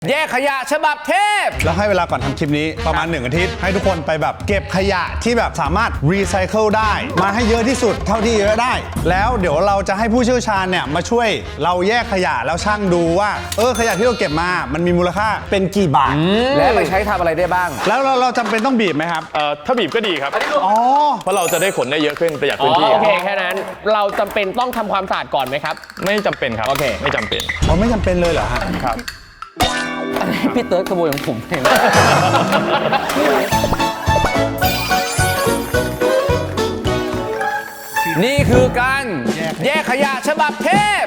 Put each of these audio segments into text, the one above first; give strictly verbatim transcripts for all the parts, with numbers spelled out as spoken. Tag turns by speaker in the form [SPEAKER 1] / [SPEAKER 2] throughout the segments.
[SPEAKER 1] แยกขยะฉบับเทพ
[SPEAKER 2] แล้วให้เวลาก่อนทำคลิปนี้ประมาณหนึ่งอาทิตย์ให้ทุกคนไปแบบเก็บขยะที่แบบสามารถรีไซเคิลได้มาให้เยอะที่สุดเท่าที่เยอะได้แล้วเดี๋ยวเราจะให้ผู้เชี่ยวชาญเนี่ยมาช่วยเราแยกขยะแล้วช่างดูว่าเออขยะที่เราเก็บมามันมีมูลค่าเป็นกี่บาท
[SPEAKER 1] และไปใช้ทำอะไรได้บ้าง
[SPEAKER 2] แล้วเราเราจำเป็นต้องบีบไหมครับ
[SPEAKER 3] เอ่อถ้าบีบก็ดีครับ
[SPEAKER 2] อ๋อ
[SPEAKER 3] เพราะเราจะได้ขนได้เยอะขึ้นประหยัดพื้นที่
[SPEAKER 4] โอเคแค่นั้นเราจำเป็นต้องทำความสะอาดก่อนไหมครับ
[SPEAKER 3] ไม่จำเป็นครับ
[SPEAKER 4] โอเค
[SPEAKER 3] ไม่จำเป็น
[SPEAKER 2] อ๋อไม่จำเป็นเลยเหรอฮะ
[SPEAKER 3] ครับ
[SPEAKER 1] พี่เติร์ดขโมยของผมเองนี่คือการแยกขยะฉบับเทพ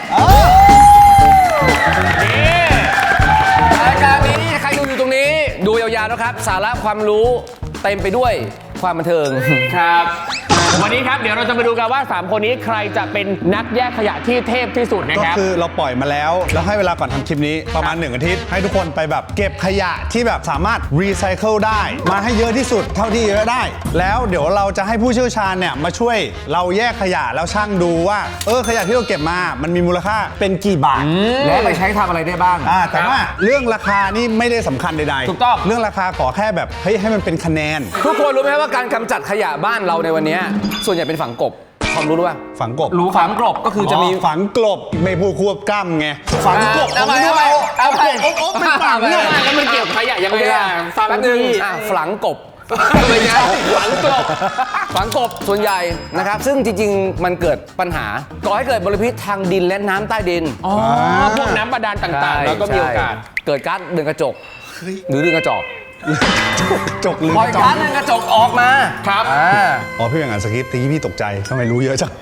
[SPEAKER 1] รายการนี้ใครดูอยู่ตรงนี้ดูยาวๆนะครับสาระความรู้เต็มไปด้วยความบันเทิง
[SPEAKER 4] ครับวันนี้ครับเดี๋ยวเราจะมาดูกันว่าสามคนนี้ใครจะเป็นนักแยกขยะที่เทพที่สุดนะครับ
[SPEAKER 2] ก็คือเราปล่อยมาแล้วแล้วให้เวลาก่อนทำคลิปนี้ประมาณหนึ่งอาทิตย์ให้ทุกคนไปแบบเก็บขยะที่แบบสามารถรีไซเคิลได้มาให้เยอะที่สุดเท่าที่เยอะได้แล้วเดี๋ยวเราจะให้ผู้เชี่ยวชาญเนี่ยมาช่วยเราแยกขยะแล้วช่างดูว่าเออขยะที่เราเก็บมามันมีมูลค่าเป็นกี่บาท
[SPEAKER 1] และไปใช้ทำอะไรได้บ้าง
[SPEAKER 2] อ่าแต่ว่าเรื่องราคานี่ไม่ได้สำคัญใดๆ
[SPEAKER 1] ถูกต้อง
[SPEAKER 2] เรื่องราคาขอแค่แบบเฮ้ยให้มันเป็นคะแนน
[SPEAKER 1] ทุกคนรู้ไหมว่าการกำจัดขยะบ้านเราในวันนี้ส่วนใหญ่เป็นฝังกบความรู้หรือเปล่า
[SPEAKER 2] ฝังกบ
[SPEAKER 1] รู้ฝังกบก็คือจะมี
[SPEAKER 2] ฝังกลบไม่พูดควบกล้ำไงฝังกบ
[SPEAKER 1] เอาไปเอาไปเอาไป
[SPEAKER 4] โอ๊ะเป็นฝังเนี่ยแล้วมันเกี่ยวกับขยะยังไงล่ะ
[SPEAKER 1] ฟังนึงฝังกบไม่ใช่ฝังกบฝังกบส่วนใหญ่นะครับซึ่งจริงๆมันเกิดปัญหาก่อให้เกิดมลพิษทางดินและน้ำใต้ดิน
[SPEAKER 4] อ๋อพวกน้ำบาดาลต่างๆแล้วก็มีโอกาส
[SPEAKER 1] เกิดก๊าซเรือนกระจกหรือเรือนกระจก
[SPEAKER 2] จกหรือ
[SPEAKER 1] ปล่อยก๊าซเรือนกระจกออกมา
[SPEAKER 4] ครับ
[SPEAKER 2] อ๋อพี่เป็นงานสคริปต์ทีนี้พี่ตกใจทำไมรู้เยอะจัง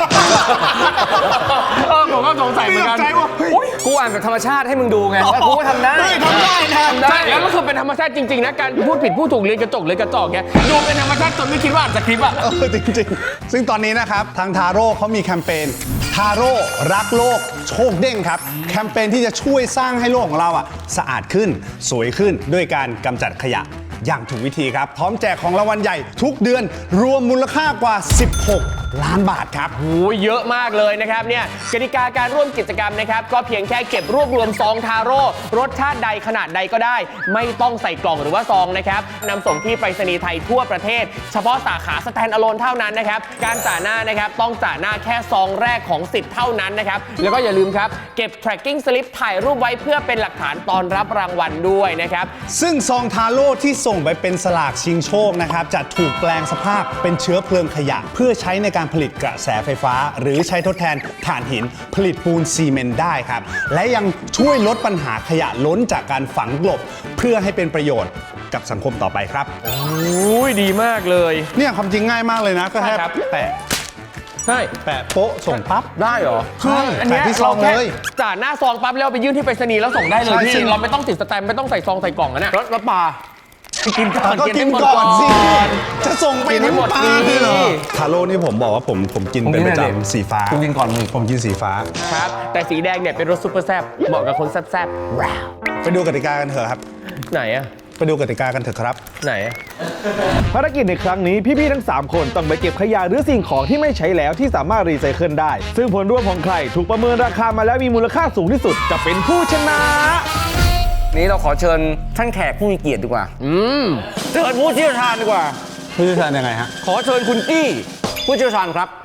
[SPEAKER 4] เออผมก็สงสัยเหมือนกัน
[SPEAKER 1] กูอ่านแบบธรรมชาติให้มึงดูไงแล้วกูก็ทำได้
[SPEAKER 4] ทำได้ทำได้แล้วก็คือเป็นธรรมชาติจริงๆนะการพูดผิดพูดถูกเรือนกระจกเรือนกระจอกแกดูเป็นธรรมชาติจนไม่คิดว่าอ่านสคริปต์อ่ะ
[SPEAKER 2] เออจริงๆซึ่งตอนนี้นะครับทางทาโร่เขามีแคมเปญทาโร่รักโลกโชคเด้งครับแคมเปญที่จะช่วยสร้างให้โลกของเราอ่ะสะอาดขึ้นสวยขึ้นด้วยการกำจัดขยะอย่างถูกวิธีครับพร้อมแจกของรางวัลใหญ่ทุกเดือนรวมมูลค่ากว่าสิบหกล้านบาทครับ
[SPEAKER 4] โอ้ยเยอะมากเลยนะครับเนี่ยกติกาการร่วมกิจกรรมนะครับก็เพียงแค่เก็บรวบรวมซองทาโร่รสชาติใดขนาดใดก็ได้ไม่ต้องใส่กล่องหรือว่าซองนะครับนำส่งที่ไปรษณีย์ไทยทั่วประเทศเฉพาะสาขาสแตนด์อะโลนเท่านั้นนะครับการจ่าหน้านะครับต้องจ่าหน้าแค่ซองแรกของสิทธิ์เท่านั้นนะครับแล้วก็อย่าลืมครับเก็บ tracking slip ถ่ายรูปไว้เพื่อเป็นหลักฐานตอนรับรางวัลด้วยนะครับ
[SPEAKER 2] ซึ่งซองทาโร่ที่ส่งไปเป็นสลากชิงโชคนะครับจะถูกแปลงสภาพเป็นเชื้อเพลิงขยะเพื่อใช้ในการผลิตกระแสไฟฟ้าหรือใช้ทดแทนถ่านหินผลิตปูนซีเมนต์ได้ครับและยังช่วยลดปัญหาขยะล้นจากการฝังกลบเพื่อให้เป็นประโยชน์กับสังคมต่อไปครับ
[SPEAKER 4] โอ้ยดีมากเลย
[SPEAKER 2] เนี่ยความจริงง่ายมากเลยนะก็แค่แปะ
[SPEAKER 4] ใช่
[SPEAKER 2] แปะโป๊ะส่งปั๊บ
[SPEAKER 1] ได้เหรอ
[SPEAKER 2] ใช่อันนี้
[SPEAKER 4] ที่ซองเลยจ่าหน้าซองปั๊บแล้วไปยื่นที่ไปรษณีย์แล้วส่งได้เลยพี่เราไม่ต้องติดสแตมป์ไม่ต้องใส่ซองใส่กล่องนะเนี่ย
[SPEAKER 1] รถปลา
[SPEAKER 4] กินก่อน
[SPEAKER 2] ก็กินก่อนสิจะส่งไปทั้งปลาเลยเหรอทาโร่นี่ผมบอกว่าผมผมกินเป็นประจำสีฟ้า
[SPEAKER 1] ผมกินก่อนมึง
[SPEAKER 2] ผมกินสีฟ้า
[SPEAKER 4] ครับแต่สีแดงเนี่ยเป็นรสซุปเปอร์แซ่บเหมาะกับคนแซ่บๆว้าว
[SPEAKER 2] ไปดูกติกากันเถอะครับ
[SPEAKER 4] ไหนอะ
[SPEAKER 2] ไปดูกติกากันเถอะครับ
[SPEAKER 4] ไหน
[SPEAKER 5] ภารกิจในครั้งนี้พี่ๆทั้งสามคนต้องไปเก็บขยะหรือสิ่งของที่ไม่ใช้แล้วที่สามารถรีไซเคิลได้ซึ่งผลรวมของใครถูกประเมินราคามาแล้วมีมูลค่าสูงที่สุดจะเป็นผู้ชนะ
[SPEAKER 1] นี้เราขอเชิญท่านแขกผู้มีเกียรติดีกว่าอืมเชิญผู้เชี่ยวชาญดีกว่า
[SPEAKER 2] ผู้เชี่ยวชาญยังไงฮะ
[SPEAKER 1] ขอเชิญคุณกี้ผู้เชี่ยวชาญครับ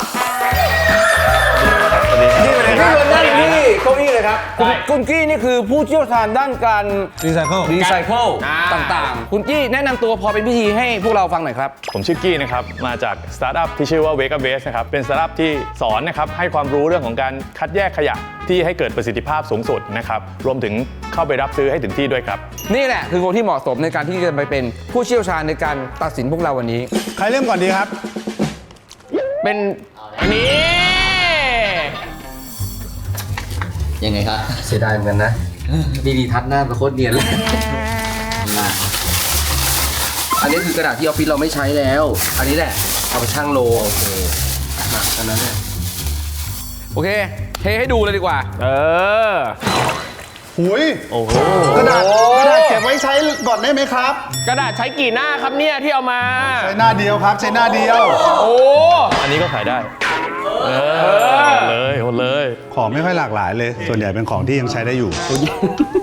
[SPEAKER 1] นี่เลยครับนั่งที่เก้าอี้เลยครับคุณกี้นี่คือผู้เชี่ยวชาญด้านการ
[SPEAKER 2] รีไซเคิล
[SPEAKER 1] รีไซเคิลต่างๆคุณกี้แนะนำตัวพอเป็นพิธีให้พวกเราฟังหน่อยครับ
[SPEAKER 3] ผมชื่อกี้นะครับมาจากสตาร์ทอัพที่ชื่อว่า Wake Up Waste นะครับเป็นสตาร์ทอัพที่สอนนะครับให้ความรู้เรื่องของการคัดแยกขยะที่ให้เกิดประสิทธิภาพสูงสุดนะครับรวมถึงเข้าไปรับซื้อให้ถึงที่ด้วยครับ
[SPEAKER 1] นี่แหละคือคนที่เหมาะสมในการที่จะไปเป็นผู้เชี่ยวชาญในการตัดสินพวกเราวันนี้
[SPEAKER 2] ใครเริ่มก่อนดีครับ
[SPEAKER 4] เป็นอันนี้
[SPEAKER 6] ยังไงครับเสียดายเหมือนกันนะมีดีทัศน์หน้าเป็นโคตรเนียนเลยอันนี้คือกระดาษที่ออฟฟิศเราไม่ใช้แล้วอันนี้แหละเอาไปชั่งโลโอเคอันนั้นเนี่ย
[SPEAKER 1] โอเคเทให้ดูเลยดีกว่า
[SPEAKER 4] เออ
[SPEAKER 2] หุยโอ้โหกระดาษกระดาษเก็บไว้ใช้ก่อนได้ไหมครับ
[SPEAKER 4] กระดาษใช้กี่หน้าครับเนี่ยที่เอามา
[SPEAKER 2] ใช้หน้าเดียวครับใช้หน้าเดียว
[SPEAKER 4] โอ้
[SPEAKER 3] อันนี้ก็ขายได้เออเลยหมดเลย
[SPEAKER 2] ของไม่ค่อยหลากหลายเลยส่วนใหญ่เป็นของที่ยังใช้ได้อยู่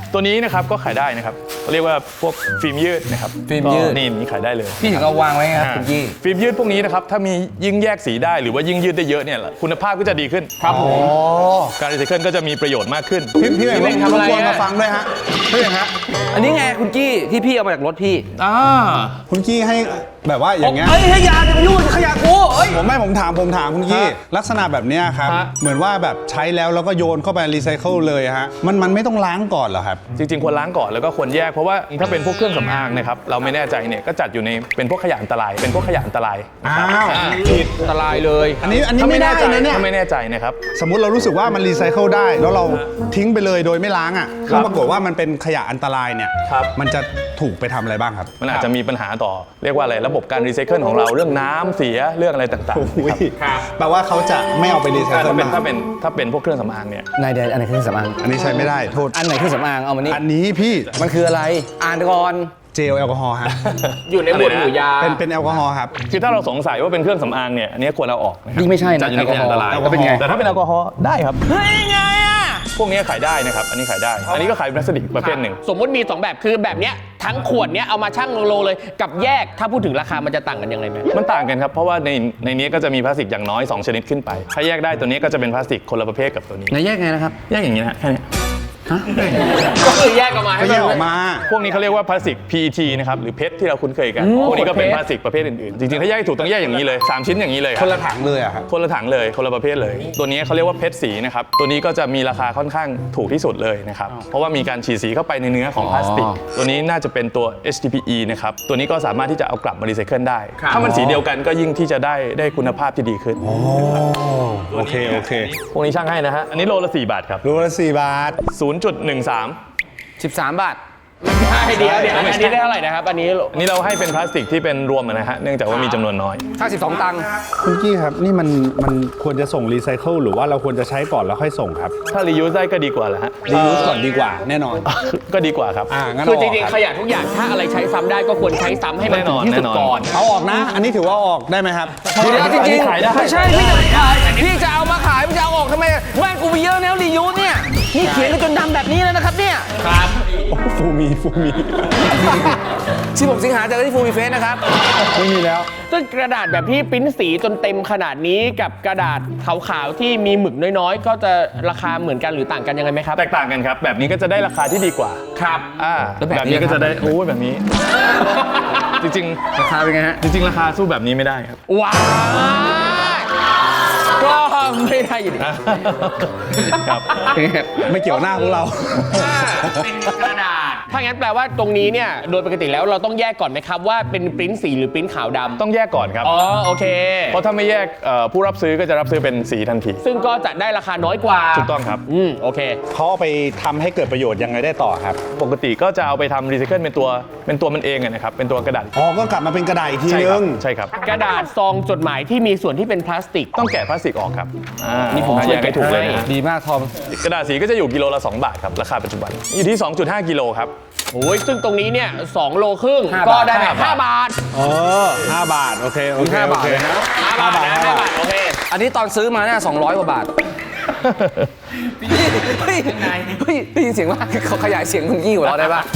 [SPEAKER 3] ตัวนี้นะครับก็ขายได้นะครับเรียกว่าพวกฟิล์มยืดนะครับ
[SPEAKER 1] ฟิล์มยืด
[SPEAKER 3] ก็นี่นี่ขายได้เลย
[SPEAKER 1] พี่ถึงเอาวางไว้ครับคุณกี้
[SPEAKER 3] ฟิล์มยืดพวกนี้นะครับถ้ามียิ่งแยกสีได้หรือว่ายิ่งยืดได้เยอะเนี่ยคุณภาพก็จะดีขึ้นครับผมการรีไซเคิลก็จะมีประโยชน์มากขึ้น
[SPEAKER 2] พี่พี่เอกทำอะไรมาฟังด้วยฮะพี่เอกฮะ
[SPEAKER 1] อันนี้ไงคุณกี้ที่พี่เอามาจากรถพี่
[SPEAKER 3] อ่า
[SPEAKER 2] คุณกี้ให้แบบว่าอย่างเงี้ย
[SPEAKER 1] เฮ้ยขยะจะมายุ่งขยะกูเฮ้ย
[SPEAKER 2] ผมไม่ผมถามผมถามคุณกี้ลักษณะแบบเนี้ยครับ
[SPEAKER 3] ฮะ
[SPEAKER 2] เหมือนว่าแบบใช้แล้วแล้วก็โยนเข้าไปรีไซเคิลเลยฮะมันมันไม่ต้องล้างก่อนเหรอครับ
[SPEAKER 3] จริงๆควรล้างก่อนแล้วก็ควรแยกเพราะว่าถ้าเป็นพวกเครื่องสำอางนะครับเราไม่แน่ใจเนี่ยก็จัดอยู่ในเป็นพวกขยะอันตรายเป็นพวกขยะอันตราย
[SPEAKER 2] อ้าว
[SPEAKER 3] อ่า
[SPEAKER 2] ผิด
[SPEAKER 4] อันตรายเลย
[SPEAKER 2] อันนี้อันนี้
[SPEAKER 3] ถ้า
[SPEAKER 2] ไม่
[SPEAKER 3] ไม่
[SPEAKER 2] ได้
[SPEAKER 3] แน่ใจ
[SPEAKER 2] นะเนี่ย
[SPEAKER 3] ถ้าไม่แน่ใจนะครับ
[SPEAKER 2] สมมุติเรารู้สึกว่ามันรีไซเคิลได้ แล้วเราทิ้งไปเลยโดยไม่ล้างอ่ะแล้วปรากฏว่ามันเป็นขยะอันตรายเนี่ย
[SPEAKER 3] ครับ
[SPEAKER 2] มันจะถูกไปทำอะไรบ้างครับ
[SPEAKER 3] มันอาจจะมีปัญหาต่อเรียกว่าอะไรระบบการรีไซเคิลของเราเรื่องน้ำเสียเรื่องอะไรต่าง
[SPEAKER 2] โอ้ย
[SPEAKER 3] ๆครับ
[SPEAKER 2] แปลว่าเขาจะไม่เอาไปรีไซ
[SPEAKER 3] ถ้า
[SPEAKER 2] เคิล
[SPEAKER 3] เป็น
[SPEAKER 2] มา
[SPEAKER 3] ถ้าเป็นถ้าเป็นพวกเครื่องสำอางเนี่ย
[SPEAKER 1] นายเดนอันไหนเครื่องสำอาง
[SPEAKER 2] อันนี้ใช้ไม่ได้โทษ
[SPEAKER 1] อันไหนเครื่องสำอางเอามานี่
[SPEAKER 2] อันนี้พี่
[SPEAKER 1] มันคืออะไรอ่านก่อน
[SPEAKER 2] เจลแอลกอฮอล์ฮะ
[SPEAKER 4] อยู่ในหมวดหมู่ยา
[SPEAKER 2] เป็นเป็นแอลกอฮอล์ครับ
[SPEAKER 3] คือถ้าเราสงสัยว่าเป็นเครื่องสำอางเนี่ยอันนี้ควรเอาออกนะครับ
[SPEAKER 1] นี่ไม่ใช่นะ
[SPEAKER 3] จัดอยู่ในขยะอันตราย
[SPEAKER 1] แอลกอฮอล์แล้วเป็นไง
[SPEAKER 3] แต่ถ้าเป็นแอลกอฮอล์ได้ครับ
[SPEAKER 1] เฮ้ยไงอ่ะ
[SPEAKER 3] พวกนี้ขายได้นะครับอันนี้ขายได้ อันนี้ก็ขายพลาสติกประเภทหนึ่ง
[SPEAKER 4] สมมุติมีสองแบบคือแบบเนี้ยทั้งขวดเนี้ยเอามาชั่งโลเลยกับแยกถ้าพูดถึงราคามันจะต่างกันยังไงไหม
[SPEAKER 3] มันต่างกันครับเพราะว่าในในนี้ก็จะมีพลาสติกอย่างน้อยสองชนิดขึ้นไปถ้าแยกได้ตัวนี้ก็จะเป็นพลาสติกคนละประเภทกับตัวนี้
[SPEAKER 1] นายแยกไงนะครับ
[SPEAKER 3] แยกอย่างนี้นะฮะแค่นี้
[SPEAKER 4] ก็คือแยกออกมาให้
[SPEAKER 2] ก็แยกออกมา
[SPEAKER 3] พวกนี้เขาเรียกว่าพลาสติก พี อี ที นะครับหรือเพชรที่เราคุ้นเคยกัน พวกนี้ก็เป็นพลาสติกประเภทอื่นๆ จริงๆ ถ้าแยกให้ถูกต้องแยกอย่างนี้เลย สาม ชิ้นอย่างนี้เลย
[SPEAKER 2] คนละถังเลยอะครับ
[SPEAKER 3] คนละถังเลยคนละประเภทเลย ตัวนี้เขาเรียกว่าเพชรสีนะครับ ตัวนี้ก็จะมีราคาค่อนข้างถูกที่สุดเลยนะครับ เพราะว่ามีการฉีดสีเข้าไปในเนื้อของพลาสติก ตัวนี้น่าจะเป็นตัว เอช ที พี อี นะครับ ตัวนี้ก็สามารถที่จะเอากลับมารีไซเคิลได้ ถ้ามันสีเดียวกันก็ยิ่งที่จะได้ได้คุณภาพที่ดีขึ้น
[SPEAKER 2] โอเคโอเค
[SPEAKER 3] พวกนี้ช่างให้นะฮะ อันนี้โลละสี่บาทครับ
[SPEAKER 2] รูละสี่บาท
[SPEAKER 3] ศูนย์จุดหนึ่งสาม
[SPEAKER 1] สิบสามบาท
[SPEAKER 4] ใช่เดียวเดี๋ยวอันนี้ได้เท่าไหร่นะครับอันนี้
[SPEAKER 3] อันนี้เราให้เป็นพลาสติกที่เป็นรวมอะนะฮะ เนื่องจากว่ามีจำนวนน้อย
[SPEAKER 1] ค่าสิบสองตังค์
[SPEAKER 2] คุณกี้ครับ นี่มันมันควรจะส่งรีไซเคิลหรือว่าเราควรจะใช้ก่อนแล้วค่อยส่งครับ
[SPEAKER 3] ถ้ารียูสได้ก็ดีกว่าแหละฮะ
[SPEAKER 2] รียูสก่อนดีกว่าแน่นอน
[SPEAKER 3] ก็ดีกว่าครับ
[SPEAKER 2] อ่างั้น
[SPEAKER 4] คือ
[SPEAKER 2] เอา
[SPEAKER 4] จ
[SPEAKER 2] ออก
[SPEAKER 4] ริง
[SPEAKER 2] ค
[SPEAKER 4] ๆข
[SPEAKER 2] รับ
[SPEAKER 4] ยะทุกอย่างถ้าอะไรใช้ซ้ำได้ก็ควรใช้ซ้ำให้มัน
[SPEAKER 3] แน่น
[SPEAKER 4] ถึ
[SPEAKER 3] อง น
[SPEAKER 4] ที่สุด
[SPEAKER 3] แน่นอน
[SPEAKER 4] ก่อน
[SPEAKER 2] เอาออกนะ อันนี้ถือว่าออกได้ไหมครับ
[SPEAKER 1] เดี๋ยวจริงๆ
[SPEAKER 3] ขายได้
[SPEAKER 1] ไม่ใช่พี่จะขายพี่จะเอามาขายพี่จะเอาออกทำไมบ้านกูมีเยอะแล้วรียูสเนี่ยนี่เขียนกันจนดำแบบนี้แล้วนะครับเนี่ย
[SPEAKER 4] ครับ
[SPEAKER 2] ฟูมีฟูมี
[SPEAKER 1] สิบหกสิงหาเจอกันที่ฟูมีเฟสนะครับ
[SPEAKER 2] ไม่มีแล้ว
[SPEAKER 4] ซึ่งกระดาษแบบที่ปริ้นสีจนเต็มขนาดนี้กับกระดาษขาวๆที่มีหมึกน้อยๆ ก็จะราคาเหมือนกันหรือต่างกันยังไงไหมครับ
[SPEAKER 3] แตกต่างกันครับ แบบนี้ก็จะได้ราคาที่ดีกว่า
[SPEAKER 4] ครับ
[SPEAKER 3] อ่า
[SPEAKER 1] แล้วแบบนี้
[SPEAKER 3] แบบนี้ก็จะได้โอ้ยแบบนี้ จริง
[SPEAKER 1] ราคาเป็นไงฮะ
[SPEAKER 3] ๆ จริง ๆ ราคาสู้แบบนี้ไม่ได้ครับ
[SPEAKER 4] ว้ายก็ไม่ได้อยู่ดี
[SPEAKER 3] ครับ
[SPEAKER 2] ไม่เกี่ยวหน้าพวกเรา
[SPEAKER 4] เป็นกระดาษ ถ้างั้นแปลว่าตรงนี้เนี่ยโดยปกติแล้วเราต้องแยกก่อนไหมครับว่าเป็นปริ้นสีหรือปริ้นขาวดำ
[SPEAKER 3] ต้องแยกก่อนครับ
[SPEAKER 4] อ๋อโอเค
[SPEAKER 3] เพราะถ้าไม่แยกเอ่อผู้รับซื้อก็จะรับซื้อเป็นสีทันที
[SPEAKER 4] ซึ่งก็จะได้ราคาน้อยกว่า
[SPEAKER 3] ถูกต้องครับ
[SPEAKER 4] อืมโอเค
[SPEAKER 2] เขาเอาไปทำให้เกิดประโยชน์ยังไงได้ต่อครับ
[SPEAKER 3] ปกติก็จะเอาไปทำรีไซเคิลเป็นตัวเป็นตัวมันเองอะนะครับ เป็นตัวกระดาษ
[SPEAKER 2] อ๋อ ก็กลับมาเป็นกระดาษอีกที
[SPEAKER 3] ใช่
[SPEAKER 2] นึ
[SPEAKER 3] ครับ
[SPEAKER 2] ง
[SPEAKER 3] ใช่ครับ
[SPEAKER 4] กระดาษซองจดหมายที่มีส่วนที่เป็นพลาสติก
[SPEAKER 3] ต้องแกะพลาสติกออกครับอ่า
[SPEAKER 4] นี่ผมช่วย
[SPEAKER 3] แยกให้ถูกเลยนะ
[SPEAKER 1] ดีมากทอม
[SPEAKER 3] กระดาษสีก็จะอยู่กิโลละสองบาทครับราคาปัจจุบันอยู่ที่ สองจุดห้า กิโลครับ
[SPEAKER 4] โอ้ยซึ่งตรงนี้เนี่ยสองโลครึ่ง
[SPEAKER 1] ห้า
[SPEAKER 4] ก็
[SPEAKER 1] บาท
[SPEAKER 4] ได้แบบ
[SPEAKER 3] ห้า
[SPEAKER 4] ห้า
[SPEAKER 3] บาท
[SPEAKER 4] บาท
[SPEAKER 2] เออห้าบาท โอเค โอเค
[SPEAKER 1] ห้า
[SPEAKER 2] โอบ
[SPEAKER 1] าท
[SPEAKER 2] เค
[SPEAKER 1] เลยนะ
[SPEAKER 4] ห้าบาทนะห้าบาทโอเค
[SPEAKER 1] อันนี้ตอนซื้อมาเนี่ยสองร้อยกว่าบาท เฮ้ยเฮ้ยได้ยินเสียงว่าเขาขยายเสียงคุณกี้ของเราได้ปะ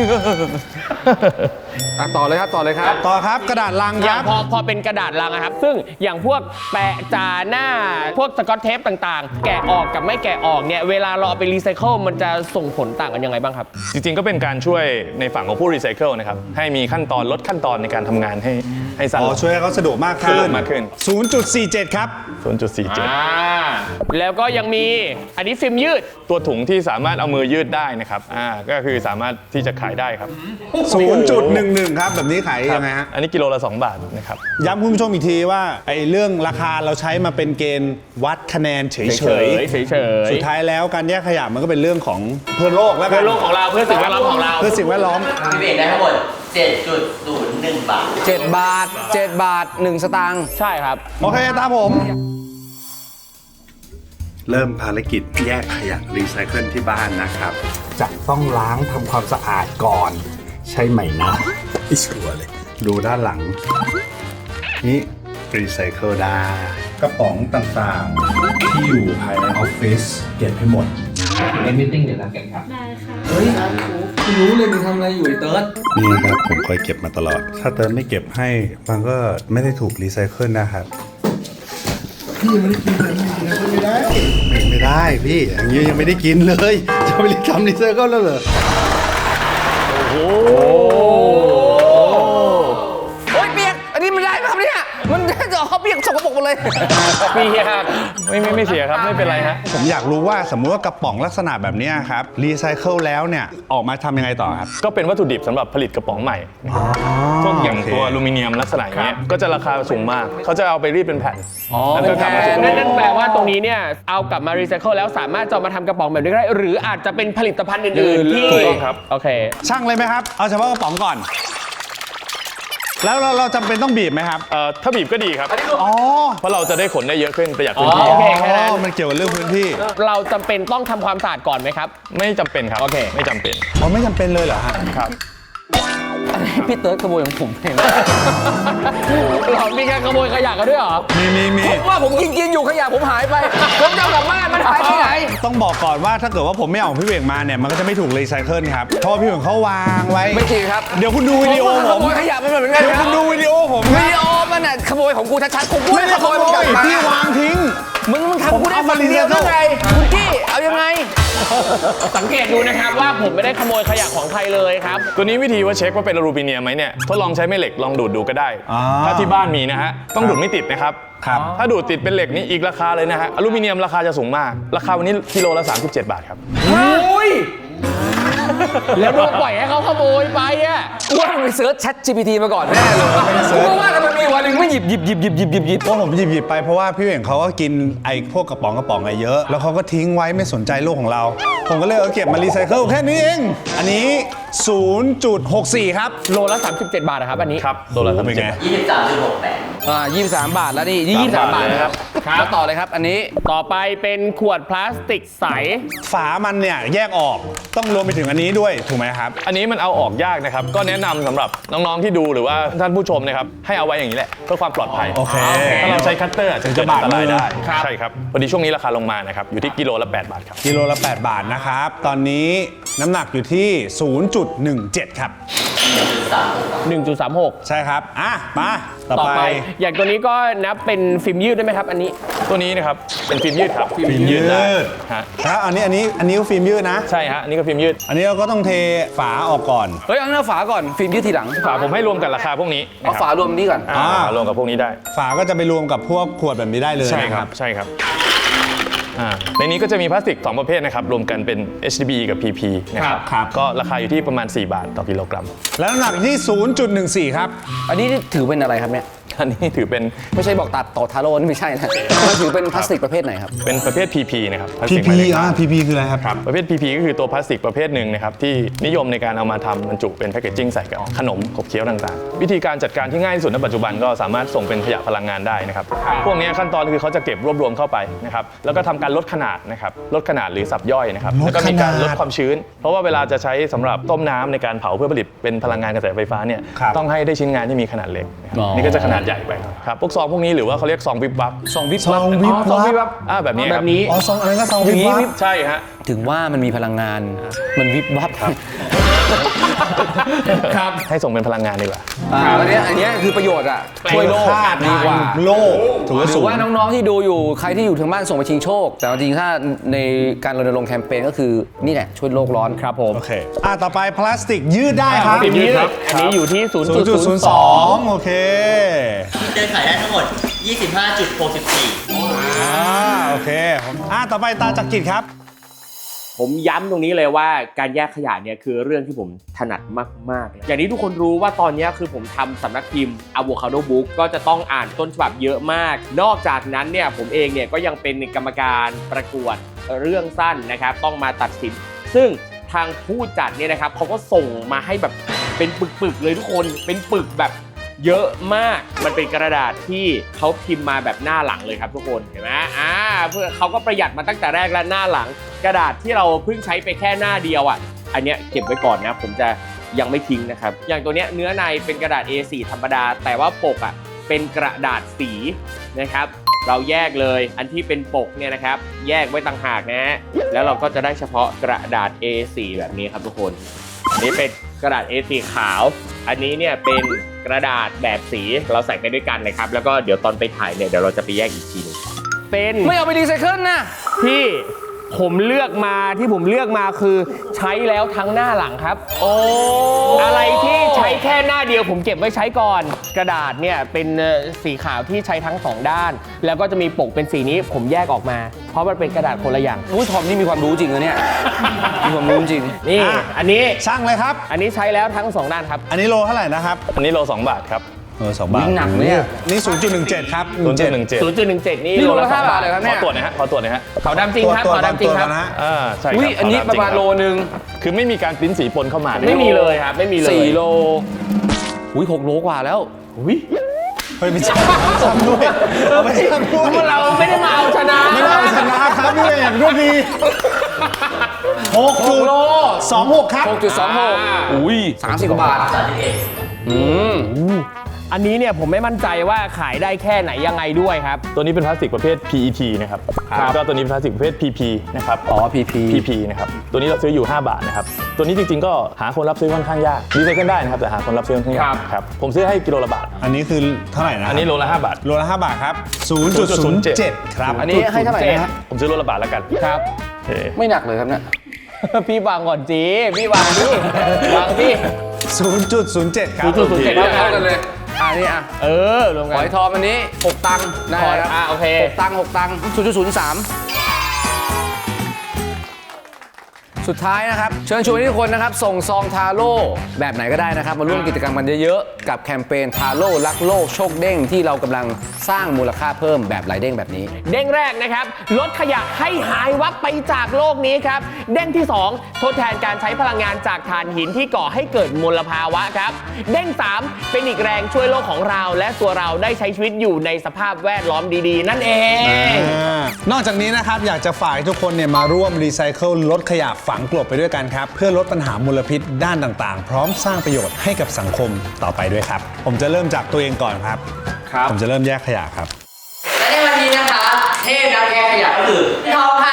[SPEAKER 1] อ่ะต่อเลยครับต่อเลยครับ
[SPEAKER 2] ต่อครับกระดาษลัง
[SPEAKER 4] อ
[SPEAKER 2] ค
[SPEAKER 4] ย่า
[SPEAKER 2] รั
[SPEAKER 4] ง
[SPEAKER 2] บ
[SPEAKER 4] พอพอเป็นกระดาษลังอะครับ ซึ่งอย่างพวกแปะจาหน้า พวกสกอตเทปต่างๆ แกะออกกับไม่แกะออกเนี่ยเวลาเราเอาไปรีไซเคิลมันจะส่งผลต่างกันยังไงบ้างครับ
[SPEAKER 3] จริงๆ ก็เป็นการช่วยในฝั่งของผู้รีไซเคิลนะครับ ให้มีขั้นตอนลดขั้นตอนในการทำงานให้ให้สั้น
[SPEAKER 2] อ๋อ
[SPEAKER 3] ลง
[SPEAKER 2] ช่วยให้เขาสะดวกมาก
[SPEAKER 3] สะ
[SPEAKER 2] ขึ้
[SPEAKER 3] ดวน กมากขึ้น
[SPEAKER 2] ศูนย์จุดสี่เจ็ด ครับ
[SPEAKER 3] ศูนย์จุดสี่เจ็ด
[SPEAKER 4] อ่า แล้วก็ยังมีอันนี้ฟิล์มยืด
[SPEAKER 3] ตัวถุงที่สามารถเอามือยืดได้นะครับอ่าก็คือสามารถที่จะขายได้ครับ
[SPEAKER 2] ศูนย์จุดหนึ่งหนึ่ง ครับ แบบนี้ขายยังไงฮะ
[SPEAKER 3] อันนี้กิโลละสองบาทนะครับ
[SPEAKER 2] ย้ำคุณผู้ชมอีกทีว่าไอ้เรื่องราคาเราใช้มาเป็นเกณฑ์วัดคะแนนเฉย
[SPEAKER 4] เฉยๆเฉยๆ
[SPEAKER 2] สุดท้ายแล้วการแยกขยะมันก็เป็นเรื่องของเพื่อโลกแล้วกั
[SPEAKER 4] เพื่อโลกของเราเพื่อสิ่งแวดล้อมของเรา
[SPEAKER 2] เพื่อสิ่งแวดล้อม
[SPEAKER 7] พี่เบกได้ทั้งหมด เจ็ดจุดศูนย์หนึ่ง บาท
[SPEAKER 1] เจ็ดบาทเจ็ดบาทหนึ่งสตางค์
[SPEAKER 4] ใช่ครับ
[SPEAKER 2] โอเคตามผม
[SPEAKER 8] เริ่มภารกิจแยกขยะรีไซเคิลที่บ้านนะครับ
[SPEAKER 2] จะต้องล้างทำความสะอาดก่อน ใช่ไหมนะไม่ชัวร์เลย ดูด้านหลัง นี่รีไซเคิลได้กระป๋องต่างๆ ที่อยู่ภายในออฟฟิศเก็บให้หมด
[SPEAKER 7] ในมิทติ้งเดี๋ยวนัดกันครับ
[SPEAKER 9] ได้ค่ะ
[SPEAKER 1] เฮ้ยคุณรู้เลยมึงทำอะไรอยู่ไอ้เติร์ด
[SPEAKER 8] นี่นะครับ ผมคอยเก็บมาตลอด ถ้าเติร์นไม่เก็บให้ มันก็ไม่ได้ถูกรีไซเคิลนะครับ พี่ยังไม่ได้กินเลยไม่ได้ ไม่ไม่ได้พี่ อย่างนี้ยังไม่ได้กินเลย จะไปทำรีไซเคิลแล้วเหรอ
[SPEAKER 1] โอ้ยเปียกอันนี้มันได้ไหมครับเนี่ยมันจะเอาเปียกสกปรกหมดเลย
[SPEAKER 4] เปียก
[SPEAKER 3] ไม่ไม่ไม่เสียครับไม่เป็นไรฮะ
[SPEAKER 2] ผมอยากรู้ว่าสมมุติว่ากระป๋องลักษณะแบบเนี้ยครับรีไซเคิลแล้วเนี่ยออกมาทำยังไงต่อครับ
[SPEAKER 3] ก็เป็นวัตถุดิบสำหรับผลิตกระป๋องใหม่พวกอย่าง
[SPEAKER 2] โอเค
[SPEAKER 3] ตัวอลูมิเนียมลักษณะอย่างเงี้ยก็จะราคาสูงมากเขาจะเอาไปรีดเป็นแผ่นแล้วก็กลับมาสู่
[SPEAKER 4] นั่นนั่นแปลว่าตรงนี้เนี่ยเอากลับมารีไซเคิลแล้วสามารถจะเอามาทำกระป๋องแบบนี้ได้หรืออาจจะเป็นผลิตภัณฑ์อื่นๆที่
[SPEAKER 3] ถูกต้องครับ
[SPEAKER 4] โอเค
[SPEAKER 2] ช่างเลยไหมครับ เอาเฉพาะกระป๋องก่อน แล้วเราเราจำเป็นต้องบีบไหมครับ
[SPEAKER 3] เอ่อถ้าบีบก็ดีครับ
[SPEAKER 2] อ๋อ
[SPEAKER 3] เพราะเราจะได้ขนได้เยอะขึ้นประหยัดพื้น
[SPEAKER 4] อ๋
[SPEAKER 3] ที่
[SPEAKER 4] อโอเคแค่นั้น
[SPEAKER 2] อ๋อมันเกี่ยวกับเรื่องพื้นที่
[SPEAKER 4] เราจำเป็นต้องทำความสะอาดก่อนไหมครับ
[SPEAKER 3] ไม่จำเป็นครับ
[SPEAKER 4] โอเค
[SPEAKER 3] ไม่จำเป็น
[SPEAKER 2] อ๋อไม่จำเป็นเลยเหรอฮะ
[SPEAKER 3] ครับ
[SPEAKER 1] พี่เติร์ดขโมยของผมเอง
[SPEAKER 4] เรามีการขโมยขยะกันด้วยเหรอ
[SPEAKER 2] มีมีมี
[SPEAKER 1] ผมว่าผมกินกินอยู่ขยะผมหายไป ผมจะเอากลับบ้านมันหายไปไหน
[SPEAKER 2] ต้องบอกก่อนว่าถ้าเกิดว่าผมไม่เอาของพี่เวงมาเนี่ยมันก็จะไม่ถูกรีไซเคิลครับเพราะว่าพี่เวงเขาวางไว้
[SPEAKER 1] ไม่จริงครับ
[SPEAKER 2] เดี๋ยวคุณดูวิดีโอ
[SPEAKER 1] ผม
[SPEAKER 2] ผ
[SPEAKER 1] ข
[SPEAKER 2] ม
[SPEAKER 1] โมยขยะมันเหมือนกัน
[SPEAKER 2] เดี๋ยว
[SPEAKER 1] ครั
[SPEAKER 2] คุ
[SPEAKER 1] บ
[SPEAKER 2] ณดูวิดีโอผม
[SPEAKER 1] วิ
[SPEAKER 2] นะ
[SPEAKER 1] ดีโอมันน่ะขโมยของกูชัดๆผมกู
[SPEAKER 2] ไม่
[SPEAKER 1] ไม่
[SPEAKER 2] ได้
[SPEAKER 1] ได้
[SPEAKER 2] ข
[SPEAKER 1] ข
[SPEAKER 2] โม
[SPEAKER 1] โมย
[SPEAKER 2] ย
[SPEAKER 1] มันกลับมา
[SPEAKER 2] พี่วางทิ้ง
[SPEAKER 1] มึงมึงทำกูได้ฝั่งเดียวได้ไงคุณกี้เอายังไง
[SPEAKER 4] สังเกตดูนะครับว่าผมไม่ได้ขโมยขยะของใครเลยครับ
[SPEAKER 3] ตัวนี้วิธีว่าเช็คว่าเป็นอลูมิเนียมไหมเนี่ยทดลองใช้แม่เหล็กลองดูดดูก็ได้
[SPEAKER 2] อ่า
[SPEAKER 3] ถ้าที่บ้านมีนะฮะต้องดูดไม่ติดนะครับ
[SPEAKER 2] ครับ
[SPEAKER 3] ถ้าดูดติดเป็นเหล็กนี่อีกราคาเลยนะฮะอลูมิเนียมราคาจะสูงมาก ราคาวันนี้กิโลละสามสิบเจ็ดบาทครับ
[SPEAKER 1] อุ้ย
[SPEAKER 4] แล้วเราปล่อยให้เขาขโมยไปอ่ะ
[SPEAKER 1] ว่ามึงไปเซิร์ช Chat จี พี ที มาก่อนแน่เลยกูว่าทำไมมีวันหนึ่งไม่หยิบหยิบหยิบหยิบหยิบหยิบหยิบ
[SPEAKER 2] เพราะผมหยิบหยิบไปเพราะว่าพี่เวงเขาก็กินไอ้พวกกระป๋องกระป๋องอะไรเยอะ แล้วเขาก็ทิ้งไว้ไม่สนใจโลกของเรา ผมก็เลยเอาเก็บมารีไซเคิลแค่นี้เอง อันนี้ ศูนย์จุดหกสี่ ครับ
[SPEAKER 4] โลละ สามสิบเจ็ด บาทนะครับอันนี้
[SPEAKER 3] ครับตัวละสามสิบเจ็ดบาท
[SPEAKER 7] ยี่สิบสามจุดหกแปด
[SPEAKER 1] อ่ายี่สิบสามบาทแล้วนี่ยี่สิบสามบาทนะครับ
[SPEAKER 4] ครับ
[SPEAKER 1] แล้วต่อเลยครับอันนี้
[SPEAKER 4] ต่อไปเป็นขวดพลาสติกใส
[SPEAKER 2] ฝามันเนี่ยแยกออกต้องรวมไปถึงอันนี้ด้วยถูกไหมครับ
[SPEAKER 3] อันนี้มันเอาออกยากนะครับ ก็แนะนำสำหรับน้องๆที่ดูหรือว่าท่านผู้ชมนะครับให้เอาไว้อย่างนี้แหละเพื่อความปลอดภัย
[SPEAKER 2] โอเค
[SPEAKER 3] ถ้าเราใช้คัตเตอร์อาจจะเกิด
[SPEAKER 2] จะบา
[SPEAKER 3] อั
[SPEAKER 2] ด
[SPEAKER 3] นตราย
[SPEAKER 2] มือ
[SPEAKER 3] ได้
[SPEAKER 4] ครับ
[SPEAKER 3] ใช่ครับพอดีช่วงนี้ราคาลงมานะครับอยู่ที่กิโลละแปดบาทครับ
[SPEAKER 2] กิโลละ แปด บาทนะครับ ตอนนี้น้ำหนักอยู่ที่ ศูนย์จุดหนึ่งเจ็ด ครับ
[SPEAKER 4] หนึ่งจุดสามหก
[SPEAKER 2] ใช่ครับ อ่ะ มาต่อ
[SPEAKER 4] ต่อ
[SPEAKER 2] ไป
[SPEAKER 4] ไป อย่างตัวนี้ก็นับเป็นฟิล์มยืดได้ไหมครับ อันนี้
[SPEAKER 3] ตัวนี้นะครับเป็นฟิล์มยืดครับ
[SPEAKER 2] ฟิล์มยืด
[SPEAKER 3] ได้ฮะ
[SPEAKER 2] ครับอันนี้อันนี้อันนี้ก็ฟิล์มยืดนะ
[SPEAKER 3] ใช่ฮะอันนี้ก็ฟิล์มยืด
[SPEAKER 2] อันนี้เราก็ต้องเทฝาออกก่อน
[SPEAKER 1] เฮ้ยเอาหน้าฝาก่อนฟิล์มยืดทีหลัง
[SPEAKER 3] ฝาผมให้รวมกับราคาพวกนี้
[SPEAKER 1] เอาฝารวมนี้ก่อน
[SPEAKER 3] อ่ารวมกับพวกนี้ได้
[SPEAKER 2] ฝาก็จะไปรวมกับพวกขวดแบบนี้ได้เลย
[SPEAKER 3] ใช่
[SPEAKER 2] นะ
[SPEAKER 3] ค
[SPEAKER 2] ค
[SPEAKER 3] รั
[SPEAKER 2] รั
[SPEAKER 3] บบ ใช่ครับอ่าในนี้ก็จะมีพลาสติกสองประเภทนะครับรวมกันเป็น เอช ดี บี กับ พี พี นะครับ
[SPEAKER 2] ครับ
[SPEAKER 3] ก็ราคาอยู่ที่ประมาณสี่บาทต่อกิโลกรัม
[SPEAKER 2] แล้วน้ำหนักที่ ศูนย์จุดหนึ่งสี่ ครับ
[SPEAKER 1] อันนี้ถือเป็นอะไรครับเนี่ย
[SPEAKER 3] อันนี้ถือเป็น
[SPEAKER 1] ไม่ใช่บอกตัดต่อทาโร่นี่ไม่ใช่นะมันถือเป็นพลาสติกประเภทไหนครับ
[SPEAKER 3] เป็นประเภท พี พี นะครับพลาส
[SPEAKER 2] พี
[SPEAKER 3] ติกห
[SPEAKER 2] พี
[SPEAKER 3] มายเลข
[SPEAKER 2] อ่า พีพี คืออะไรครับ
[SPEAKER 3] ครับประเภท พี พี ก็คือตัวพลาสติกประเภทหนึ่งนะครับที่นิยมในการเอามาทำบรรจุเป็นแพคเกจจิ้งใส่กับขนมขบเคี้ยวต่างๆ วิธีการจัดการที่ง่ายที่สุดในปัจจุบันก็สามารถส่งเป็นขยะพลังงานได้นะครับพวกนี้ขั้นตอนคือเขาจะเก็บรวบรวมเข้าไปนะครับแล้วก็ทำการลดขนาดนะครับลดขนาดหรือสับย่อยนะครับ
[SPEAKER 2] ลด
[SPEAKER 3] แล้วก็มีการ
[SPEAKER 2] ขนาด
[SPEAKER 3] ลดความชื้น เพราะว่าเวลาจะใช้สำหรับต้มน้ำในการเผาเพื่อผลิตเป็นพลังงานกระแสไฟฟ้าเนี่ย
[SPEAKER 2] ครับ
[SPEAKER 3] ต้องให้ได้ชิ้นงานที่มีขนาดเล็กนะครับ
[SPEAKER 1] อ๋อ
[SPEAKER 3] นี่ก็จะขนาดใหญ่ไปครับพวกซองพวกนี้หรือว่าเขาเรียกซองวิบวับ
[SPEAKER 1] ซองวิบ
[SPEAKER 2] ซองวิบ
[SPEAKER 1] อ๋อซองวิบ
[SPEAKER 2] วั
[SPEAKER 1] วั
[SPEAKER 2] บ
[SPEAKER 1] บ
[SPEAKER 3] อ่าแบบนี้ค
[SPEAKER 4] แบ
[SPEAKER 3] รับบ
[SPEAKER 4] นี้
[SPEAKER 2] อ๋อซองอะไรก็ซอง
[SPEAKER 1] อ
[SPEAKER 2] วิ
[SPEAKER 1] ย่าง
[SPEAKER 2] บ
[SPEAKER 1] นี้
[SPEAKER 2] วั
[SPEAKER 1] วิ
[SPEAKER 2] บ
[SPEAKER 1] บ
[SPEAKER 3] ใช่ฮะ
[SPEAKER 1] ถึงว่ามันมีพลังงาน มันวิบวับ
[SPEAKER 4] ครับ
[SPEAKER 3] ให้ส่งเป็นพลังงานดีกว่า
[SPEAKER 1] อ่าอันเนี้ยอันเนี้ยคือประโยชน์อ่ะช่วยโลก
[SPEAKER 2] ค่า
[SPEAKER 1] ดีกว่า
[SPEAKER 2] โลกถือว่า
[SPEAKER 1] หรื
[SPEAKER 2] สู
[SPEAKER 1] อง ว่าน้องๆที่ดูอยู่ใครที่อยู่ทางบ้านส่งไปชิงโชค แต่จริงๆถ้าในการรณรงค์แคมเปญก็คือนี่แหละช่วยโลกร้อน
[SPEAKER 4] ครับผม
[SPEAKER 2] โอเค อ่ะ ต่อไปพลาสติกยืดได้ครับ
[SPEAKER 4] ฟิล์มยืดอันนี้อยู่ที่ ศูนย์จุดศูนย์สอง
[SPEAKER 2] ศูนย์จุดศูนย์สอง โอเค
[SPEAKER 7] เดินขายได้ทั้งหมด ยี่สิบห้าจุดหกสี่
[SPEAKER 2] อ่า โอเค อ่ะ ต่อไปตาจักริดครับ
[SPEAKER 4] ผมย้ำตรงนี้เลยว่าการแยกขยะเนี่ยคือเรื่องที่ผมถนัดมากๆเลยอย่างนี้ทุกคนรู้ว่าตอนนี้คือผมทำสำนักพิมพ์ Avocado Book ก็จะต้องอ่านต้นฉบับเยอะมาก นอกจากนั้นเนี่ยผมเองเนี่ยก็ยังเป็นกรรมการประกวดเรื่องสั้นนะครับต้องมาตัดสิน ซึ่งทางผู้จัดเนี่ยนะครับเขาก็ส่งมาให้แบบเป็นปึกๆเลยทุกคนเป็นปึกแบบเยอะมากมันเป็นกระดาษที่เขาพิมพ์มาแบบหน้าหลังเลยครับทุกคนเห็นไหมอ่าเพื่อเขาก็ประหยัดมาตั้งแต่แรกและหน้าหลัง กระดาษที่เราเพิ่งใช้ไปแค่หน้าเดียวอ่ะอันเนี้ยเก็บไว้ก่อนนะผมจะยังไม่ทิ้งนะครับอย่างตัวเนี้ยเนื้อในเป็นกระดาษ เอ โฟร์ ธรรมดาแต่ว่าปกอ่ะเป็นกระดาษสีนะครับเราแยกเลยอันที่เป็นปกเนี่ยนะครับแยกไว้ต่างหากนะฮะแล้วเราก็จะได้เฉพาะกระดาษ เอ โฟร์ แบบนี้ครับทุกคนอันนี้เป็นกระดาษ เอ โฟร์ ขาวอันนี้เนี่ยเป็นกระดาษแบบสีเราใส่ไปด้วยกันนะครับแล้วก็เดี๋ยวตอนไปถ่ายเนี่ยเดี๋ยวเราจะไปแยกอีกทีนึงเป็น
[SPEAKER 1] ไม่เอาไปรีไซเคิลนะ
[SPEAKER 4] ที่ผมเลือกมาที่ผมเลือกมาคือใช้แล้วทั้งหน้าหลังครับ
[SPEAKER 1] โอ้
[SPEAKER 4] อะไรที่ใช้แค่หน้าเดียวผมเก็บไว้ใช้ก่อน กระดาษเนี่ยเป็นสีขาวที่ใช้ทั้งสองด้าน แล้วก็จะมีปกเป็นสีนี้ผมแยกออกมา เพราะมันเป็นกระดาษคนละอย่าง
[SPEAKER 1] อุ้ยทอมนี่มีความรู้จริงนะเนี่ย มีความรู้จริง
[SPEAKER 4] นี่
[SPEAKER 2] อ่ะ
[SPEAKER 4] อันนี้
[SPEAKER 2] ช่างเลยครับ
[SPEAKER 4] อันนี้ใช้แล้วทั้งสองด้านครับ
[SPEAKER 2] อันนี้โลเท่าไหร่นะครับ
[SPEAKER 3] อันนี้โลสองบาทครับ
[SPEAKER 2] เออสองบาท
[SPEAKER 1] หนักเนี่ย
[SPEAKER 2] นี่ ศูนย์จุดหนึ่งเจ็ด ครับ
[SPEAKER 3] ศูนย์จุดหนึ่งเจ็ด
[SPEAKER 4] ศูนย์จุดหนึ่งเจ็ด นี่
[SPEAKER 1] นี่โลละ
[SPEAKER 4] ส
[SPEAKER 1] ห้า
[SPEAKER 4] อง
[SPEAKER 1] บาทเลยครับ
[SPEAKER 3] ข
[SPEAKER 1] เนี่
[SPEAKER 3] อย ตรวจหนะฮะขอตรวจหนะฮะ
[SPEAKER 4] ขาวดำจริงครับ
[SPEAKER 2] ตัว
[SPEAKER 4] ขาวดำจริงครับ
[SPEAKER 2] ตัวนะฮะ
[SPEAKER 3] อ่าใช่ครับ
[SPEAKER 1] อุ้ยอันนี้
[SPEAKER 3] ขวดำ
[SPEAKER 1] ประมาณ
[SPEAKER 3] จงคบ
[SPEAKER 1] โลนึง
[SPEAKER 3] คือไม่มีการปริ้นสีปนเข้ามา
[SPEAKER 4] ไม่มีเลยครับไม่มีเลย
[SPEAKER 1] สี่โล อุ้ยหกโลกว่าแล้ว
[SPEAKER 4] อุ้ย
[SPEAKER 2] เฮ้ยไม่ใช่ช่างด้วยเอาไปช่างด้วย
[SPEAKER 4] พวกเราไม่ได้มาเอาชนะ
[SPEAKER 2] ไม่ได้เอาชนะครับนี่อย่างรวดดีหกจุดสองหกครับ
[SPEAKER 1] หกจุดสองหก อุ้ยสามสิบกว่าบาท อืม
[SPEAKER 4] อันนี้เนี่ยผมไม่มั่นใจว่าขายได้แค่ไหนยังไงด้วยครับ
[SPEAKER 3] ตัวนี้เป็นพลาสติกประเภท พี อี ที นะครับ
[SPEAKER 4] ครับ
[SPEAKER 3] แล้วก็ตัวนี้เป็นพลาสติกประเภท พี พี นะครับ
[SPEAKER 1] อ๋อ พี พี
[SPEAKER 3] พี พี นะครับ ตัวนี้เราซื้ออยู่ ห้า บาทนะครับ ตัวนี้จริงๆ ก็หาคนรับซื้อค่อนข้างยากรีไซเคิลได้นะครับ แต่หาคนรับซื้อค่อนข้างยากครับ ผมซื้อให้กิโลละบาท
[SPEAKER 2] อันนี้คือเท่าไหร่นะ
[SPEAKER 3] อันนี้โลละห้าบาท
[SPEAKER 2] โลละห้าบาทครับ ศูนย์จุดศูนย์เจ็ด ครับ
[SPEAKER 1] อันนี้ให้เท่าไหร่นะฮะ
[SPEAKER 3] ผมซื้อโลละบาทแล้วกัน
[SPEAKER 4] ครับ
[SPEAKER 3] โอเค
[SPEAKER 1] ไม่หนักเลยครับเนี่ย
[SPEAKER 4] พี่วางก่อนจีพี่วางพี่วางพี่
[SPEAKER 2] ศูนย์จุดศูนย์เจ็ด ครับ
[SPEAKER 4] ศูนย์จุดศูนย์เจ็ด
[SPEAKER 1] เท่ากันเลย อ่านี่อ่ะ
[SPEAKER 4] เออรวม
[SPEAKER 1] ห
[SPEAKER 4] กั
[SPEAKER 1] อน ยทอมอันนี้หกตังค์ได้
[SPEAKER 4] หอย
[SPEAKER 1] ครับ
[SPEAKER 4] อ่ะโอเค
[SPEAKER 1] หกตังค์หกตังค์ศูนย์จุดศูนย์สามสุดท้ายนะครับ เชิญชวนให้ทุกคนนะครับ ส่งซองทาโร่แบบไหนก็ได้นะครับ มาร่วมกิจกรรมกันเยอะๆ กับแคมเปญทาโร่รักโลกโชคเด้งที่เรากำลังสร้างมูลค่าเพิ่มแบบหลายเด้งแบบนี้
[SPEAKER 4] เด้งแรกนะครับลดขยะให้หายวับไปจากโลกนี้ครับเด้งที่สองทดแทนการใช้พลังงานจากถ่านหินที่ก่อให้เกิดมลภาวะครับเด้งสามเป็นอีกแรงช่วยโลกของเรา และตัวเราได้ใช้ชีวิตอยู่ในสภาพแวดล้อมดีๆ นั่นเอง
[SPEAKER 2] นอกจากนี้นะครับอยากจะฝากให้ทุกคนเนี่ยมาร่วมรีไซเคิลลดขยะฝังกลบไปด้วยกันครับเพื่อลดปัญหามลพิษด้านต่างๆ พร้อมสร้างประโยชน์ให้กับสังคมต่อไปด้วยครับ ผมจะเริ่มจากตัวเองก่อนครับ
[SPEAKER 4] ครับ
[SPEAKER 2] ผมจะเริ่มแยกขยะครับ
[SPEAKER 6] และในวันนี้นะคะเทพนักแยกขยะก็คือพี่ทอมค่ะ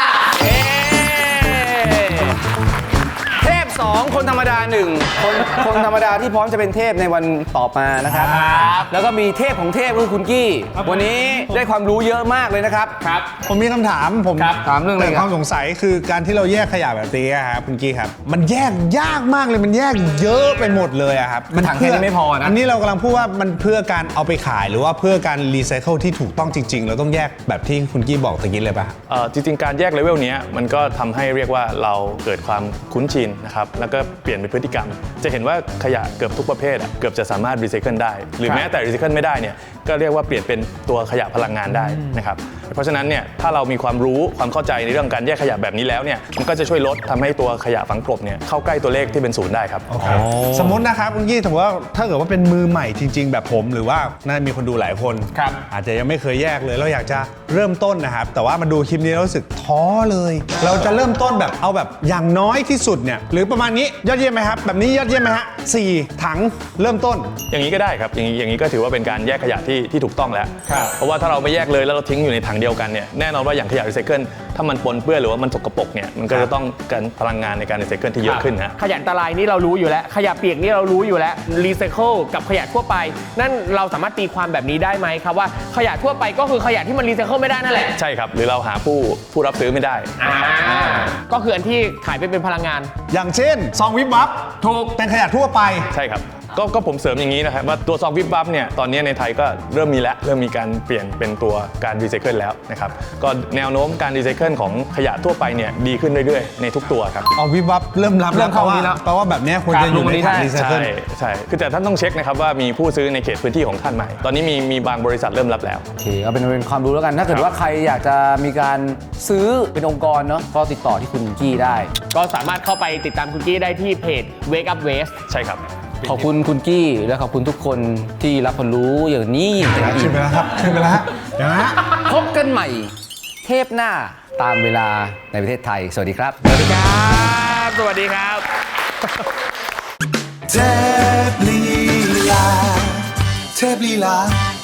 [SPEAKER 1] เทพสองคนธรรมดาหนึ่งคนคนธรรมดาที่พร้อมจะเป็นเทพในวันต่อมานะครับ แล้วก็มีเทพของเทพคือคุณกี้วันนี้ได้ความรู้เยอะมากเลยนะครับ
[SPEAKER 4] ครับ
[SPEAKER 2] ผมมีคำถามผม
[SPEAKER 1] ครับถามเรื่องอะไร
[SPEAKER 2] แต่
[SPEAKER 1] ครับ
[SPEAKER 2] ความสงสัยคือการที่เราแยกขยะแบบนี้อะครับคุณกี้ครับมันแยกยากมากเลยมันแยกเยอะไปหมดเลยอะครับ
[SPEAKER 1] มันถังแค่นี้ไม่พอนะ
[SPEAKER 2] อันนี้เรากำลังพูดว่ามันเพื่อการเอาไปขายหรือว่าเพื่อการรีไซเคิลที่ถูกต้องจริง ๆ เราต้องแยกแบบที่คุณกี้บอกตะกี้เลยป่ะ
[SPEAKER 3] เอ่อจริงๆ การแยกเลเวลเนี้ยมันก็ทำให้เรียกว่าเราเกิดความคุ้นชินนะครับแล้วก็เปลี่ยนเป็นพฤติกรรม จะเห็นว่าขยะเกือบทุกประเภทอะเกือบจะสามารถรีไซเคิลได้ หรือแม้แต่รีไซเคิลไม่ได้เนี่ยก็เรียกว่าเปลี่ยนเป็นตัวขยะพลังงานได้นะครับเพราะฉะนั้นเนี่ยถ้าเรามีความรู้ความเข้าใจในเรื่องการแยกขยะแบบนี้แล้วเนี่ยมันก็จะช่วยลดทำให้ตัวขยะฝังกลบเนี่ยเข้าใกล้ตัวเลขที่เป็นศูนย์ได้ครับ
[SPEAKER 2] สมมตินะครับคุณกี้สมมติว่าถ้าเกิดว่าเป็นมือใหม่จริง ๆ แบบผมหรือว่าน่ามีคนดูหลายคน
[SPEAKER 4] ครับ
[SPEAKER 2] อาจจะยังไม่เคยแยกเลยเราอยากจะเริ่มต้นนะครับแต่ว่ามาดูคลิปนี้แล้วรู้สึกท้อเลย เราจะเริ่มต้นแบบเอาแบบอย่างน้อยที่สุดเนี่ยหรือประมาณนี้ยอดเยี่ยมไหมครับแบบนี้ยอดเยี่ยมไหมฮะสี่ถังเริ่มต้น
[SPEAKER 3] อย่างนี้ก็ได้ครับอย่างนี้อย่างนี้ก็ถือว่าเป็นการแยกขยะที่ที่ถูกต้องแล้ว เพราะว่าถ้าเราไม่แยกเลยแล้วเราทิ้งอยู่ในถังเดียวกันเนี่ยแน่นอนว่าอย่างขยะรีไซเคิลถ้ามันปนเปื้อนหรือว่ามันสกปรกเนี่ยมันก็จะต้องการพลังงานในการรีไซเคิลที่เยอะขึ้นนะ
[SPEAKER 4] ขยะอันตรายนี่เรารู้อยู่แล้ว ขยะเปียกนี่เรารู้อยู่แล้วรีไซเคิลกับขยะทั่วไป นั่นเราสามารถตีความแบบนี้ได้ไหมครับว่าขยะทั่วไปก็คือขยะที่มันรีไซเคิลไม่ได้นั่นแหละ
[SPEAKER 3] ใช่ครับหรือเราหาผู้ผู้รับซื้อไม่ได้
[SPEAKER 4] อ่าก็คืออันที่ขายไปเป็นพลังงาน
[SPEAKER 2] อย่างเช่นซองวิบวับถูกเป็นขยะทั่วไป
[SPEAKER 3] ใช่ครับก็ก็ผมเสริมอย่างนี้นะครับว่าตัวซองวิบวับเนี่ยตอนนี้ในไทยก็เริ่มมีแล้วเริ่มมีการเปลี่ยนเป็นตัวการรีไซเคิลแล้วนะครับก็แนวโน้มการรีไซเคิลของขยะทั่วไปเนี่ยดีขึ้นเรื่อยๆในทุกตัวครับ
[SPEAKER 2] เอาวิบวับเริ่มรับ
[SPEAKER 1] เริ่มเข้า
[SPEAKER 2] แปลว่า
[SPEAKER 1] นี้แล้ว
[SPEAKER 2] แปลว่าแบบเนี้ยควรจะอยู่ในถังรีไซเคิ
[SPEAKER 3] ใช่
[SPEAKER 2] ล
[SPEAKER 3] ใช่คือแต่ท่านต้องเช็คนะครับว่ามีผู้ซื้อในเขตพื้นที่ของท่านไหมตอนนี้มีมีบางบริษัทเริ่มรับแล้ว
[SPEAKER 1] โอเคเอาเป็นเป็นความรู้แล้วกัน ถ้าเกิดว่าใครอยากจะมีการซื้อเป็นองค์กรเนาะก็ติดต่อที่คุณกี้ได้
[SPEAKER 4] ก็สามารถเข้าไปติดตามคุณกี้ได้ที่เพจ Wake Up Waste
[SPEAKER 3] ใช่ครับ
[SPEAKER 1] ขอบคุณคุณกี้และขอบคุณทุกคนที่รับความรู้อย่างนี้อย่าง
[SPEAKER 2] ขึ้
[SPEAKER 1] อี
[SPEAKER 2] น
[SPEAKER 1] ก
[SPEAKER 2] ไปแล้วครับขึ้นไปแล้วฮะเดี๋ยวนะ
[SPEAKER 1] พบกันใหม่ เทปหน้าตามเวลาในประเทศไทย สวัสดีครับ
[SPEAKER 4] สวัสดีครับ สวัสดีครับ
[SPEAKER 9] เทพลีลาเทพลีลา